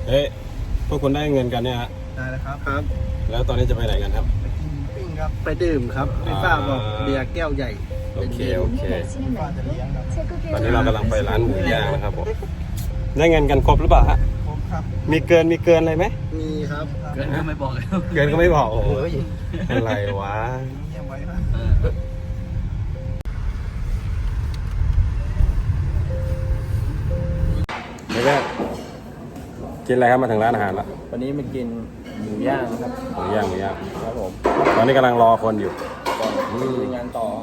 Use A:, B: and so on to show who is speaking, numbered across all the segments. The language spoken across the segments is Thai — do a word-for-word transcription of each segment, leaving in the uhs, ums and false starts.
A: เอ๊ะพวกคุณได้เงินกันเนี่ยฮะ
B: ได้แล้วครับครับ
A: แล้วตอนนี้จะไปไหนกันครับ
B: ไปกินปิ้งครับไปดื่มครับพี่ป้าบอกเบียร์แก้วใหญ่
A: โอเคโอเค
B: พี่ป้าจะเลี้ยงครับ
A: ตอนนี้เรากำลังไปร้านหมูย่างนะครับผมได้เงินกันครบหรือเปล่าฮะ
B: ครบครับ
A: มีเกินมีเกินอะไรไหม
B: มีครับ
C: เกินก็ไม่บอกเลย
A: เกินก็ไม่บอกโอ้โหอะไรวะ
B: เงียบไว้นะ
A: เดี๋ยวกินอะไรครับมาถึงร้านอาหารแล้ว
C: วันนี้มากินหมูย่างครับ
A: หมูย่างหมูย่าง
C: ครับผม
A: ตอนนี้กำลังรอคนอยู่
C: ก่อนมีงานต่อ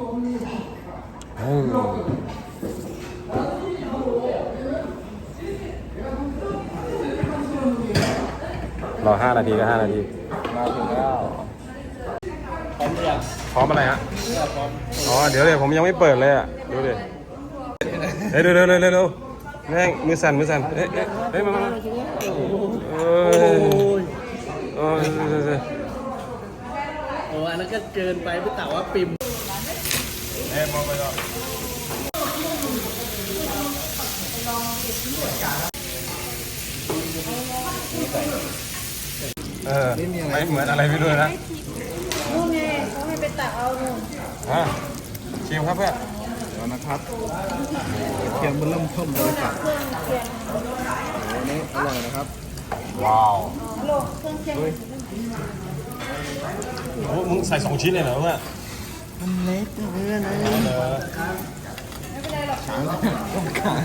A: รอห้านาทีก็ห้านาที
C: มาถึงแล้วพร้อมยัง
A: พร้อมอะไรฮะ
C: พร้อม
A: อ๋อเดี๋ยวเลยผมยังไม่เปิดเลยอ่ะดูดิเฮ้ยเร็วเร็วเร็วเร็วแม่งมือสั่นมือสั่นเฮ้ยเฮ้ยมามาโอ้ยโอ้ย
C: โอ้อันนั้นก็เกินไปพี่เต๋าว่าปิม
A: เฮ้ยมองไปก่อนเออไม่เหมือนอะไรไม่รู้นะ
D: นู่นไงเขาให้ไปตักเอาหนู
A: อ่ะชิมครับเพื่อน
B: เดี๋ยวนะครับเคียงมันเริ่มเพิ่มเลยครับโอ้นี้อร่อยนะครับ
A: ว้าว
D: โลกเครื่องเคียง
A: โอ้มึงใส่สองชิ้นเลยเหรอเพื่อน
B: มันเล็กเพื่อนนะ
D: ไม่เป็นไรหรอก
B: ช้างต้องการ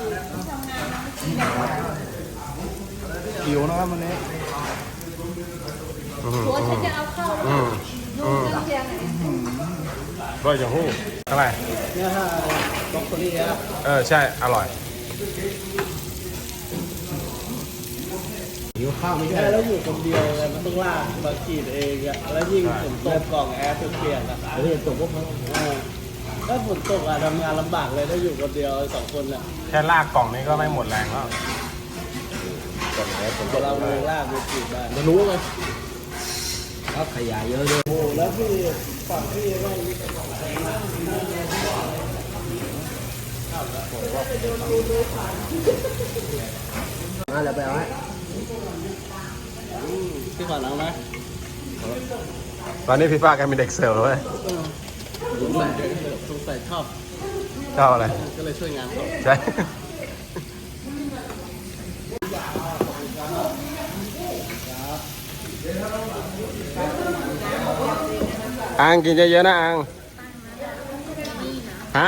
B: หิวนะครับวันนี้
D: ตัวฉันจะเอาเข้าดูเครื่องเคียงไหน
A: ร่อยจังหู้อะไร
C: เนี่ยฮะบล็อกโคลี่ครับ
A: เออใช่อร่อย
B: หิวข้าวไม่ใช่
C: แล้วอยู่คนเดียวเลยมันต้องลากมาขีดเองอะแล้วยิ่งฝนตกกล่องแอร์เปียกๆอะ
B: เฮ้ยตกก็พอ
C: ถ้าฝนตกอะทำงานลำบากเลยถ้าอยู่คนเดียวสองคนอะ
A: แค่ลากกล่องนี้ก็ไม่หมดแรงแล้ว
C: เราเองลากมาขีดได้
B: จะรู้ไหมก็ขยายเยอะด้วย
C: โอ้แล้วพี่ฝั่งพี่ไม่
B: มาแล้วไปเอาไว้
C: พี่ขอน้องไหม
A: ตอนนี้พี่ป้าแกเป็นเด็กเสิร์ฟเลย
C: สงสัยสงสัยชอบ
A: ชอบอะไร
C: ก็เลยช่วยงานเขา
A: ใช่อังกินเยอะๆนะอังฮะ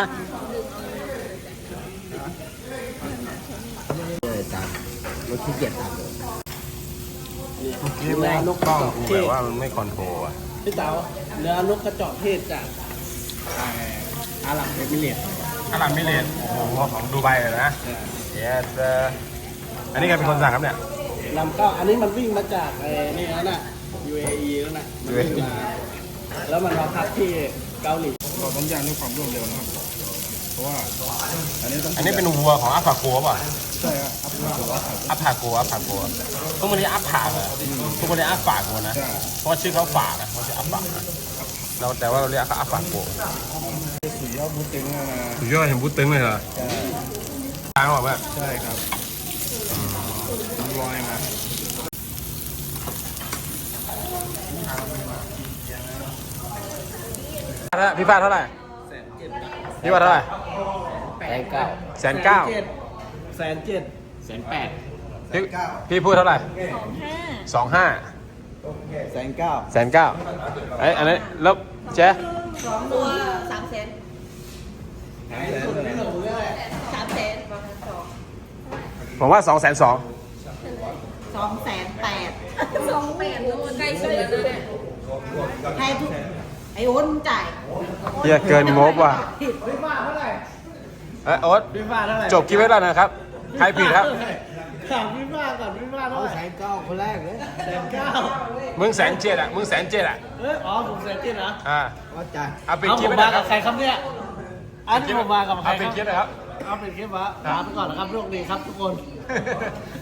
B: เลยตามรถขี้เกียจตามเลย
A: เมื่อกี้แม่งกล้องกูแบบว่ามันไม่คอนโทรลอ่ะ
C: พี่เต๋าเนื้อนกกระจอกเทศจากอาหรับเอมิเรตส์
A: อาหรับเอมิเรตส์โอ้โหของดูไบเลยนะเยสอันนี้ใครเป็นคนสั่งครับเนี่ย
C: นำเข้าอันนี้มันวิ่งมาจากไอ้นี่นั่นน่ะ ยู เอ อี นั่นน่ะมันวิ่งมาแล้วมันมาพักที่เกาหลี
B: เราต้องย่างด้วยความรวดเร็วนะครับเพราะว่าอันนี้ต้อง
A: อันนี้เป็นวัวของอัฟพาโกป่ะ
B: ใช่ครับ
A: อัฟพาโกอัฟพาโกพวกมันเรียกอัฟผาเหรอพวกมันเรียกอัฟฝากนะ เพราะชื่อเขาฝากนะเขาชื่ออัฟฝากนะเราแต่ว่าเราเรียกเขาอัฟฝากโก
B: สุดยอดบูตึงนะ
A: สุดยอดเห็นบูตึงเลยเหรอ
B: ใช่
A: ทางหรอแม่
B: ใช่ครับลอยมา
A: พี่ฟ้าเท่าไหร่พี่ฟ้าเท่าไหร่
C: แสนเก้า
A: แสนเก้า
C: แสนเจ็ดแสนแปด
A: พี่พี่พูดเท่าไหร่สองห้า
B: แสนเก้า
A: แสนเก้าไอ้อันนี้แล้วเจ๊
D: สองตัวสามแสนสามแสน
A: ผมว่าสองแสนสอง
D: สองแสนแปดสองแปดใกล้สุดแล้วนะเนี่ยให้ทุกไอ้โอ๊ตจ่าย
A: เยอะเกินงบว่ะ
C: พี่ฟ้าเท่าไหร่
A: เอ้โอ๊ต
C: พี่ฟ้าเท่าไหร่
A: จบคลิปไว้แล้วนะครับใครผิดครับ
C: ถามพี่ฟ้าก่อนพี่ฟ้าเท่าไหร่
B: แสนเก้าคนแรกเลย
C: แสนเก้า
A: มึงแสนเจ็ดอ่ะมึงแสนเจ็ดอ่ะ
C: เอออ๋อผมแสนเจ็ดนะ
A: อ่า
B: ว่าจ่าย
A: เอาเป็นคลิป
C: มากับใครครับเนี่ยอันนี้ผมมากับใคร
A: เอาเป็นคลิปนะครับ
C: เอาเป็นคลิปวะถามไปก่อนนะครับโชคดีครับทุกคน